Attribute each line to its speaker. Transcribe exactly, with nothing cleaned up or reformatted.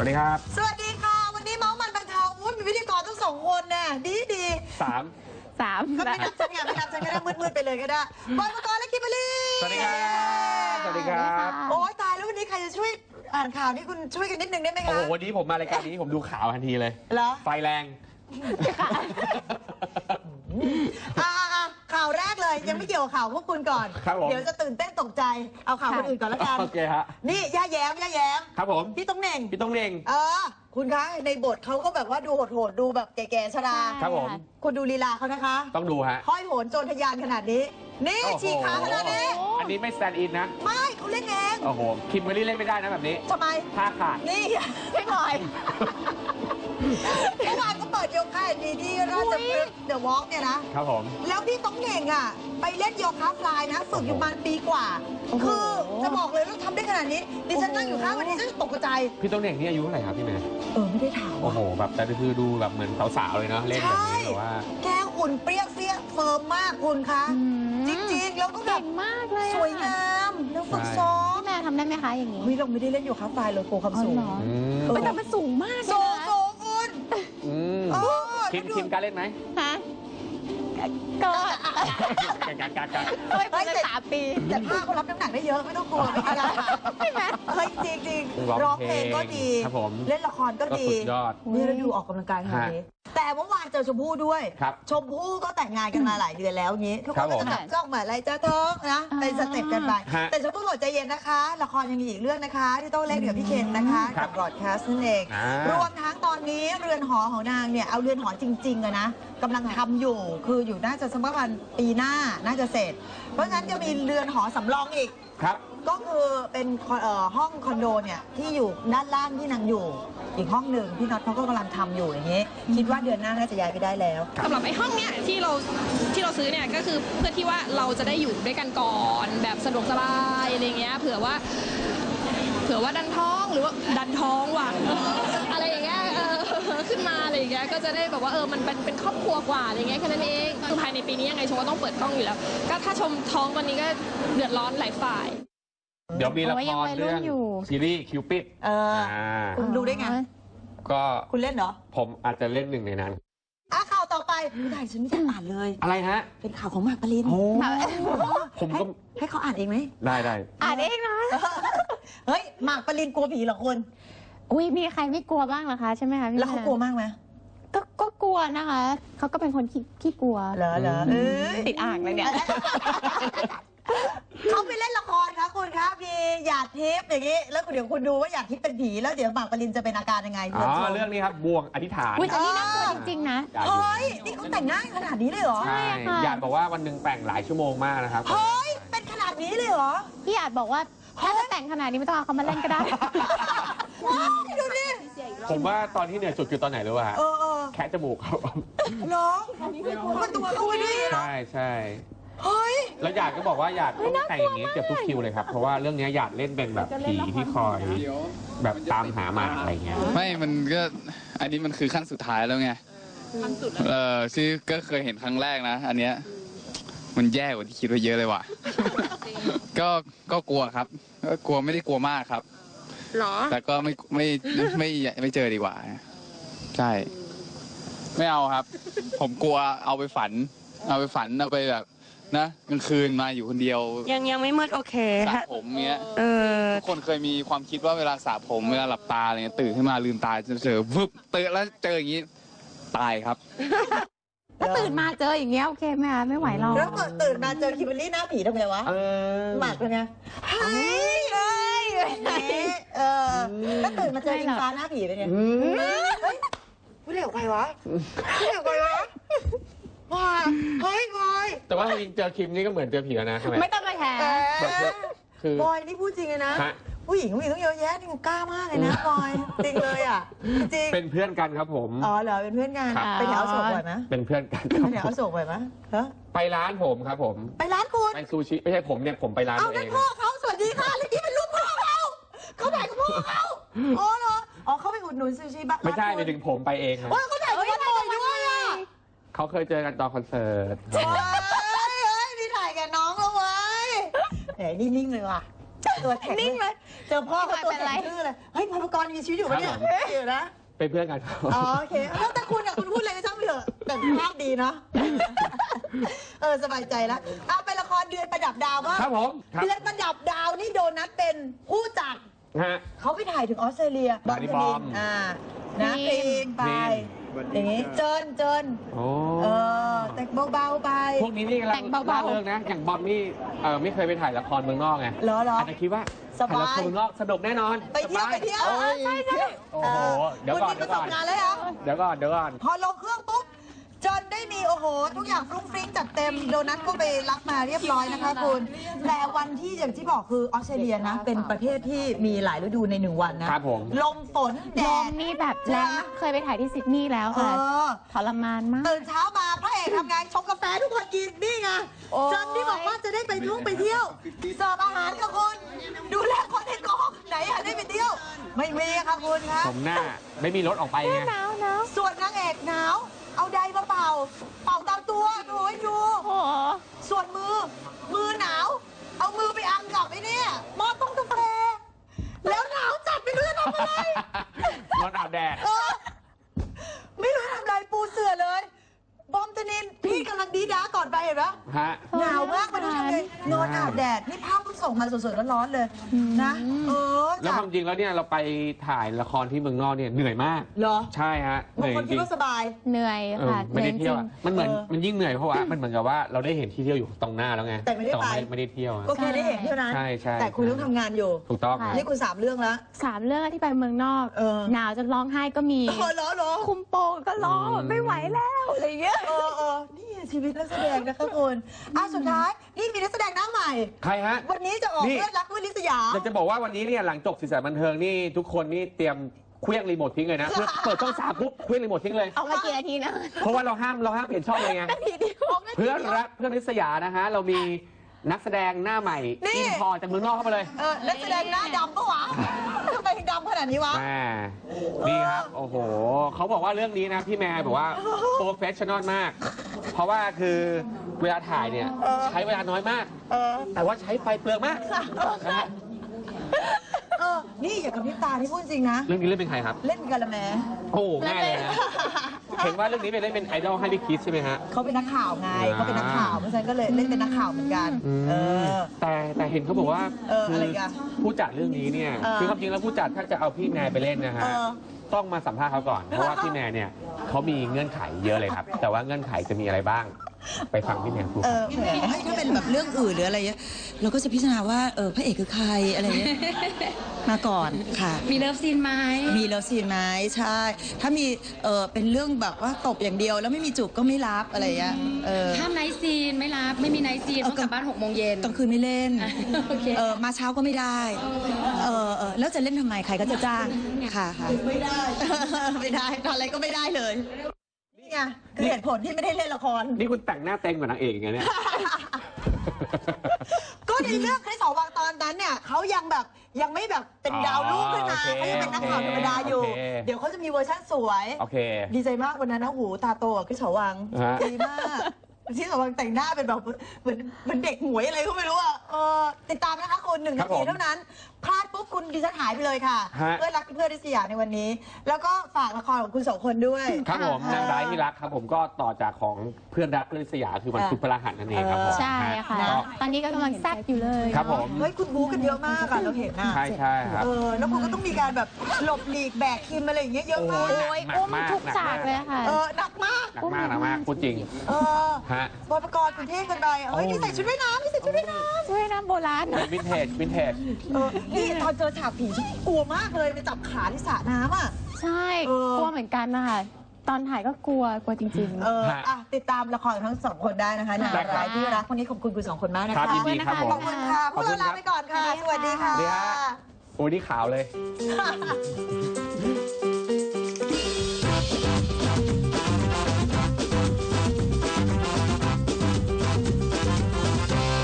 Speaker 1: วัสดีครับ
Speaker 2: สวัสดีค่ะวันนี้เมาส์มันบันเทิงอุ้ยมีพิธีกรทั้งสองคนน่ะดีดี
Speaker 1: สาม
Speaker 3: สาม
Speaker 2: ก็ไม่นับฉันไงไม่นับฉันก็ได้มืดๆไปเลยก็ได้บอยปกรณ์และคิมเบอร์รี่
Speaker 1: สวัสดีครับสวัสดีครับ
Speaker 2: โอ้ยตายแล้ววันนี้ใครจะช่วยอ่านข่าวนี่คุณช่วยกันนิดนึงได้ไหมคะ
Speaker 1: โอ้โหวันนี้ผมมารายการนี้ผมดูข่าวทันทีเลย
Speaker 2: เหรอ
Speaker 1: ไฟแรง
Speaker 2: อ่าข่าวแรกเลยยังไม่เกี่ยวกับข่าวพวกคุณก่อนเดี๋ยวจะตื่นเต้นตกใจเอาข่าวคนอื่นก่อนแล้วกัน
Speaker 1: โอเคฮะ
Speaker 2: นี่ย่าแย้มย่าแย้ม
Speaker 1: ครับผม
Speaker 2: พี่ต้องเน่ง
Speaker 1: พี่ต้องเน่ง
Speaker 2: เออคุณคะในบทเขาก็แบบว่าดูโหดๆดูแบบแก่ๆชรา
Speaker 1: ครับผม
Speaker 2: คุณดูลีลาเขานะคะ
Speaker 1: ต้องดูฮะ
Speaker 2: ห้อยโหนโจรทะยานขนาดนี้นี่ฉีกขาขนาดนี้
Speaker 1: อันนี้ไม่สแตนด์อินนะ
Speaker 2: ไม่เขาเล่นเอง
Speaker 1: โอ้โหคิมเบอร์รี่เล่นไม่ได้นะแบบนี้
Speaker 2: ทำไม
Speaker 1: ท่าขาด
Speaker 2: นี่ไม่หน่อยเมื่อวานก็เปิดโยคะดีที่ราชพฤกษ์เดอะวอล์กเนี่ยนะครับผมแล้วพี่ต้องเน่งอ่ะไปเล่นโยคะฟลายนะฝึกอยู่ประมาณปีกว่าคือจะบอกเลยว่าทำได้ขนาดนี้ดิฉันนั่งอยู่ข้างวันนี้ฉันตกใจ
Speaker 1: พี่ต้องเน่งนี่อายุเท่าไหร่ครับพี่เมย์
Speaker 2: เออไม่ได้ถาม
Speaker 1: โอ้โหแบบแต่คือดูแบบเหมือนสาวๆเลยเนาะเล่นแบบนี้แต่ว่า
Speaker 2: แกหุ่นเปรี้ยเสี้ยเฟิร์มมากคุณคะจริงๆแล้วก็แบบ
Speaker 3: มากเลย
Speaker 2: สวยงามแล้วฝึกซ้อม
Speaker 3: แม่ทำได้ไหมคะอย่างนี้
Speaker 2: เฮ้ยเราไม่ได้เล่นโยคะฟลายเลยโกความสูง
Speaker 3: แต่มันสูงมาก
Speaker 2: สูงสูงคุณ
Speaker 1: คิมคิมกล้าเล่นไหม
Speaker 3: ฮะก็
Speaker 1: การการการการ
Speaker 3: เฮ้ยเป็นสามปี
Speaker 2: แต่ผ้าเขารับน้ำหนักได้เยอะไม่ต้องกลัวไม่เป็นไรใช่ไหมเฮ้ยจริงจริงร้องเพลงก็ดีเล่นละครก็ดีนี่เราดูออกกำลังกายขนาดนี้แต่เมื่อวานเจอชมพู่ด้วยชมพู่ก็แต่งงานกันมาหลายเดือนแล้วงี้ทุกคนก็จะจับจ้องเหมือนอะไรจ้าท้องนะเป็นสเต็ปกันไปแต่ชมพู่บอกใจเย็นนะคะละครยังมีอีกเรื่องนะคะที่ต้องเล่นกับพี่เคนนะคะกับบรอดแคสต์นั่นเองรวมทั้งตอนนี้เรือนหอของนางเนี่ยเอาเรือนหอจริงๆอะนะกำลังทำอยู่คืออยู่น่าจะสักประมาณปีหน้าน่าจะเสร็จเพราะฉะนั้นจะมีเรือนหอสำรองอีก
Speaker 1: ครับ
Speaker 2: ก็คือเป็นห้องคอนโดเนี่ยที่อยู่ด้านล่างที่นางอยู่อีกห้องหนึ่งพี่น็อตเขาก็กำลังทำอยู่อย่างนี้คิดว่าเดือนหน้าน่าจะย้ายไปได้แล้ว
Speaker 4: สำหรับไอ้ห้องเนี้ยที่เราที่เราซื้อเนี่ยก็คือเพื่อที่ว่าเราจะได้อยู่ด้วยกันก่อนแบบสะดวกสบายอะไรเงี้ยเผื่อว่าเผื่อว่าดันท้องหรือว่าดันท้องว่ะอะไรอย่างเงี้ยขึ้นมาอะไรอย่างเงี้ยก็จะได้แบบว่าเออมันเป็นเป็นครอบครัวกว่าอะไรเงี้ยแค่นั้นเองคือภายในปีนี้ยังไงชมก็ต้องเปิดกล้องอยู่แล้วก็ถ้าชมท้องวันนี้ก็เดือดร้อนหลายฝ่าย
Speaker 1: เดี๋ยวมีละครเรื่องซีรีส์คิวปิด
Speaker 2: เออคุณดูได้ไง
Speaker 1: ก็
Speaker 2: คุณเล่นเหรอ
Speaker 1: ผมอาจจะเล่นหนึ่งในนั้น
Speaker 2: อ่ะข่าวต่อไปไม่ได้ฉันไม่ได้อ่านเลย
Speaker 1: อะไรฮะ
Speaker 2: เป็นข่าวของหมากปริน
Speaker 1: ผมก็
Speaker 2: ให้เขาอ่านเองไหม
Speaker 1: ได้ได้
Speaker 3: อ่านเองนะ
Speaker 2: เฮ้ยหมากปรินกลัวผีเหรอคุณ
Speaker 3: อุ้ยมีใครไม่กลัวบ้างเหรอคะใช่ไหมคะ
Speaker 2: แล้วเขากลัวมากไหม
Speaker 3: ก็ก็กลัวนะคะเขาก็เป็นคนขี้ขี้กลัว
Speaker 2: เหรอเหรอ
Speaker 3: ติดอ่างเลยเนี่ย
Speaker 2: เขาไปเล่นละครคะคุณครับมีหยาดทิพย์อย่างนี้แล้วเดี๋ยวคุณดูว่าหยาดทิพย์เป็นผีแล้วเดี๋ยวหมากปรินจะเป็นอาการยังไง
Speaker 1: อ๋อเรื่องนี้ครับบวงอธิษฐาน
Speaker 3: อุ้ยอันนี้น่ากลัวจริงๆนะ
Speaker 2: เฮ้ยนี่เขาแต่งง่ายขนาดนี้เลยเหรอ
Speaker 1: ใช่หยาดบอกว่าวันหนึ่งแต่งหลายชั่วโมงมากนะครับ
Speaker 2: เฮ้ยเป็นขนาดนี้เลยเหรอ
Speaker 3: พี่หยาดบอกว่าถ้าจะแต่งขนาดนี้ไม่ต้องเอาเขามาเล่นก็ได้
Speaker 2: ว้าวดูดิ
Speaker 1: ผมว่าตอนที่เหนื่อยสุดคือตอนไหนรู้ป่ะแคะจมูกครับ
Speaker 2: น้องมันตัวเขาไปด้วย
Speaker 1: ใช่ใช่
Speaker 2: เฮ้ย
Speaker 1: แล้วหยาดก็บอกว่าหยาดต้องแต่งอย่างนี้เกือบทุกคิวเลยครับเพราะว่าเรื่องนี้หยาดเล่นเป็นแบบผีที่คอยแบบตามหาหมาอะไรเงี้ย
Speaker 5: ไม่มันก็อันนี้มันคือขั้นสุดท้ายแล้วไงเออซึ่งก็เคยเห็นครั้งแรกนะอันเนี้ยมันแย่กว่าที่คิดไว้เยอะเลยว่ะก็ก็กลัวครับก็กลัวไม่ได้กลัวมากครับ
Speaker 4: หรอ
Speaker 5: แต่ก็ไม่ไม่ไม่ไม่เจอดีกว่าใช่ไม่เอาครับผมกลัวเอาไปฝันเอาไปฝันเอาไปแบบนะกลางคืนมาอยู่คนเดียว
Speaker 4: ยังยังไม่มืดโอเค
Speaker 5: สระผมเงี้ยเออทุกคนเคยมีความคิดว่าเวลาสระผมเวลาหลับตาอะไรเงี้ยตื่นขึ้นมาลืมตาจะเจอวึบตื่นแล้วเจออย่างนี้ตายครับ
Speaker 3: ถ้าตื่นมาเจออย่างเงี้ยโอเคไหมคะไม่ไหวเรา
Speaker 2: แล้วตื่นมาเจอคิมเบอร์รี่หน้าผีทำไงวะหมากเป็นไงเฮ้ยเฮ้ยเออแล้วตื่นมาเจออิงฟ้าหน้าผีเป็นไงเฮ้ยพูดเร็วไปวะพูดเร็วไปวะว้าเฮ้ยบอย
Speaker 1: แต่ว่าจริงเจอคิมนี่ก็เหมือนเจอผีแล้วนะใช่ไหม
Speaker 3: ไม่ต้องมาแห
Speaker 1: คือบ
Speaker 2: อยนี่พูดจริงเลยนะผู้หญิงผู้หญิงต้องเยอะแยะนี่กล้ามากเลยนะบอยจริงเลยอ่ะจริง
Speaker 1: เป็นเพื่อนกันครับผม
Speaker 2: อ๋อเหรอเป็นเพื่อนกันไปแถวโศกบ่อยไหม
Speaker 1: เป็นเพื่อนกัน
Speaker 2: ไปแถวโศกบ่อยไหมฮะ
Speaker 1: ไปร้านผมครับผม
Speaker 2: ไปร้านคุณ
Speaker 1: ไปซูชิไม่ใช่ผมเนี่ยผมไปร้านเอง
Speaker 2: เอาเป็นพ่อเขาสวัสดีค่ะแล้วนี่เป็นลูกพ่อเขาเขาถ่ายกับพ่อเขาอ๋อเหรออ๋อเขาไปอุดหนุนซูชิบ้าง
Speaker 1: ไม่ใช่ไปถึงผมไปเองครับ
Speaker 2: ว่าเขาถ่ายกับพ่อด้วยอ่ะ
Speaker 1: เขาเคยเจอกันตอนคอนเสิร์ต
Speaker 2: เฮ้ยนี่ถ่ายกับน้องแล้วเว้ยแหมนี่นิ่งเลยว่ะตัวแข็งนิ่งเลยเจอพ่อเขาตัวแข็งชื่อเลยเฮ้ยพลกรมีชีวิตอยู่ปะเนี่ยอยู่นะ
Speaker 1: เป็นเพื่อนกันครับ
Speaker 2: อ๋อโอเคแล้วแต่คุณอ่ะคุณพูดอะไรก็ช่างไปเถอะแต่ภาพดีเนาะเออสบายใจแล้วเอาไปละครเดือนประดับดาวบ้าง
Speaker 1: ครับผม
Speaker 2: เดือนประดับดาวนี่โดนัทเป็นผู้จัดเขาไปถ่ายถึงออสเตรเลีย
Speaker 1: บอมบอม
Speaker 2: อ่านะเพลงไปอย่างนี้เจินเจินเออแต่งเบาๆไป
Speaker 1: พวกนี้นี่กำลังล่าเริงนะอย่างบอมนี่เออไม่เคยไปถ่ายละครเมืองนอกไง
Speaker 2: เหรอเหรอ
Speaker 1: อาจจะคิดว่าถ่ายละครเมืองนอกสนุกแน่นอน
Speaker 2: ไปเที่ยวไปเที่ยวใช่ใช่
Speaker 1: โอ้โหเดี๋ยวก่อน
Speaker 2: เดี๋ยวก่อน
Speaker 1: เดี๋ยวก่อนเดี๋ยวก่อน
Speaker 2: พอลงเครื่องปุ๊บจนได้มีโอ้โหทุกอย่างฟรุ้งฟริ้งจัดเต็มโดนัทก็ไปรับมาเรียบร้อยนะคะคุณแต่วันที่อย่างที่บอกคือออสเตรเลียนะเป็นประเทศที่มีหลายฤดูในหนึ่งวันนะครับ
Speaker 1: ผม
Speaker 2: ลมฝนแด
Speaker 3: ล
Speaker 2: ด
Speaker 3: มนี่แบบแรงเคยไปถ่ายที่ซิดนีย์แล้วค่ะทรมานมาก
Speaker 2: ตื่นเช้ามาพระเอกทำงานชงกาแฟทุกคนกินนี่ไงจนที่บอกว่าจะได้ไปท่องไปเที่ยวเสิร์ฟอาหารกับคุณดูแลคนในกองไหนอะได้ไปเที่ยวไม่มีค่ะคุณคะ
Speaker 1: ผมหน้าไม่มีรถออกไปไง
Speaker 3: หนาวหนาว
Speaker 2: ส่วนนางเอกหนาวเอาไดมาเป่าเป่าตามตัวดูให้ดูส่วนมือมือหนาวเอามือไปอังกับไอ้นี่หม้อต้มกาแฟแล้วหนาวจัดไม่รู้จะทำอะไร
Speaker 1: นอนอาบแดด
Speaker 2: ไม่รู้ทำอะไรปูเสื่อเลยบอมตนินพี่กำลังดีด้าก่อนไปเห็นไหมหนาวมากไปดูทำไงนอนอาบแดดนี่ภาพเพิ่งส่งมาสดๆร้อนๆเลยนะเออ
Speaker 1: แล้วความจริงแล้วเนี่ยเราไปถ่ายละครที่เมืองนอกเนี่ยเหนื่อยมาก
Speaker 2: เหรอ
Speaker 1: ใช่ฮะ
Speaker 2: เหนื่อยจริง
Speaker 3: สบายเหนื่อยค่ะ
Speaker 1: ไม่ได้เที่ยวมันเหมือนมันยิ่งเหนื่อยเพราะว่ามันเหมือนกับว่าเราได้เห็นที่เที่ยวอยู่ตรงหน้าแล้วไง
Speaker 2: แต่ไม่ได้ไป
Speaker 1: ไม่ได้เที่ยว
Speaker 2: ก็แค่ได้เห็นเท่านั้น
Speaker 1: ใช่ใช่
Speaker 2: แต่คุณต้องทำงานอยู่
Speaker 1: ถูกต้อง
Speaker 2: นี่คุณสามเรื่องแล้ว
Speaker 3: สามเรื่องที่ไปเมืองนอกหนาวจนร้องไห้ก็มีคุมโปงก็ร้องไม่ไหวแล้วอะไรเงี้ย
Speaker 2: เออเออนี่ชีวิตนักแสดงนะคะคุณอ่ะสุดท้ายนี่มีนักแสดงหน้าใหม่
Speaker 1: ใครฮะ
Speaker 2: วันนี้จะออกเรื่องรักวิลิสยา
Speaker 1: อยากจะบอกว่าวันนี้เนี่ยหลังจบสีสันบันเทิงนี่ทุกคนนี่เตรียมเคลื่องรีโมททิ้งเลยนะเปิดช่องสามปุ๊บเคลื่องรีโมททิ้งเลย
Speaker 3: เอามากี่นาทีนะ
Speaker 1: เพราะว่าเราห้ามเราห้ามเปลี่ยนช่องเลยไงเพื่อนรักเพื่อนลิสยานะฮะเรามีนักแสดงหน้าใหม่อินพอจากเมืองนอกเข้ามาเลย
Speaker 2: เออนักแสดงหน้าดำปะวะทำไมดำขนาดนี้วะ
Speaker 1: แม่นี่ครับโอ้โหเขาบอกว่าเรื่องนี้นะพี่แม่บอกว่าโปรเฟชชั่นอลมากเพราะว่าคือเวลาถ่ายเนี่ยใช้เวลาน้อยมากแต่ว่าใช้ไฟเปลืองมากนะฮะ
Speaker 2: เออนี่อย่ากับพริบตาที่พูดจริงนะ
Speaker 1: เรื่องนี้เล่นเป็นใครครับ
Speaker 2: เล่นเป็นกาละแม
Speaker 1: โอ้ง่ายเลยนะเห็นว่าเรื่องนี้เป็นเล่นเป็นไอดอลให้พี่คิสใช่ไหมฮะ
Speaker 2: เขาเป็นนักข่าวไงเขาเป็นนักข่าวเพราะฉะนั้นก็เลยเล่นเป็นนักข่าวเหมือนกันเออ
Speaker 1: แต่แต่เห็นเขาบอกว่า
Speaker 2: คือ
Speaker 1: ผู้จัดเรื่องนี้เนี่ยคือความจริงแล้วผู้จัดถ้าจะเอาพี่แมร์ไปเล่นนะฮะต้องมาสัมภาษณ์เขาก่อนเพราะว่าพี่แมร์เนี่ยเขามีเงื่อนไขเยอะเลยครับแต่ว่าเงื่อนไขจะมีอะไรบ้างไปฟังพี่แมร์พูด
Speaker 2: เออถ้าเป็นแบบเรื่องอื่นหรืออะไรเงี้ยเราก็จะพิจารณาว่าเออพระเอกคือใครอะไรเงี้ยมาก่อนค่ะ
Speaker 4: มีเลิฟซีนไหม
Speaker 2: มีเลิฟซีนไหมใช่ถ้ามีเออเป็นเรื่องแบบว่าตบอย่างเดียวแล้วไม่มีจูบก็ไม่รับอะไรเงี้ยเออ
Speaker 4: ห้ามไนท์ซีนไม่รับไม่มีไนท์ซีนต้องกลับบ้านหกโมงเย็น
Speaker 2: กลางคืนไม่เล่นเออมาเช้าก็ไม่ได้เออเออแล้วจะเล่นทำไมใครก็จะจ้างค่ะค่ะไม่ได้ไม่ได้ทำอะไรก็ไม่ได้เลยนี่ไงคือเหตุผลที่ไม่ได้เล่นละคร
Speaker 1: นี่คุณแต่งหน้าเต็มกว่านางเอกไงเนี่ย
Speaker 2: ก็ในเรื่องคริสสวังตอนนั้นเนี่ยเขายังแบบยังไม่แบบเป็นดาวรุ่งขึ้นมาเขายังเป็นนักข่าวธรรมดาอยู่เดี๋ยวเขาจะมีเวอร์ชั่นสวยดีใจมากวันนั้นนะหูตาโตคริสสวังดีมากที่สวังแต่งหน้าเป็นแบบเหมือนเหมือนเด็กหมวยอะไรก็ไม่รู้อ่ะติดตามนะคะคุณหนึ่งนาทีเท่านั้นพลาดปุ๊บคุณดิฉันหายไปเลยค่ะเพื่อนรักเพื่อนริษยาในวันนี้แล้วก็ฝากละครของคุณสองคนด้วย
Speaker 1: ครับผมนางร้ายที่รักครับผมก็ต่อจากของเพื่อนรักเพื่อนริษยาคือวันพุธพฤหัสนั่นเองครับผม
Speaker 3: ใช่ค่ะตอนนี้ก็กำลังแซ่บอยู่เลย
Speaker 1: ครับผม
Speaker 2: เฮ้ยคุณบู๊กันเยอะมากอะเราเห็นนะ
Speaker 1: ใช่ใช่ครับ
Speaker 2: เออแล้วคุณก็ต้องมีการแบบหลบหลีกแบกคิมอะไรอย่างเงี้ยเยอะมาก
Speaker 3: โอ้ยอุ้มทุกฉากเลยค่ะ
Speaker 2: เออหนักมาก
Speaker 1: หนักมากหนักมากพูดจริง
Speaker 2: เออฮะบอยประกรณ์คุณเท่กันไปเฮ้ยนี่ใส่ชุดว่ายน้ำนี่ใส่ชุดว่ายน้ำ
Speaker 3: ชุดว่ายน้ำโบราณ
Speaker 1: วินเทจวินเทจ
Speaker 2: นี่ตอนเจอฉากผีกลัวมากเลยไปจับขาที่สระน้ำอ่ะ
Speaker 3: ใช่กลัวเหมือนกันนะคะตอนถ่ายก็กลัวกลัวจริงๆ
Speaker 2: เอออ่ะติดตามละครทั้งสองคนได้นะคะนางร้ายที่รักวันนี้ขอบคุณคุณสองคนมากนะคะ
Speaker 1: ขอบคุณค่ะ
Speaker 2: ขอบคุณค่ะพวกเราลาไปก่อนค่ะสวัสดีค่ะ
Speaker 1: โอ้นี่ขาวเลย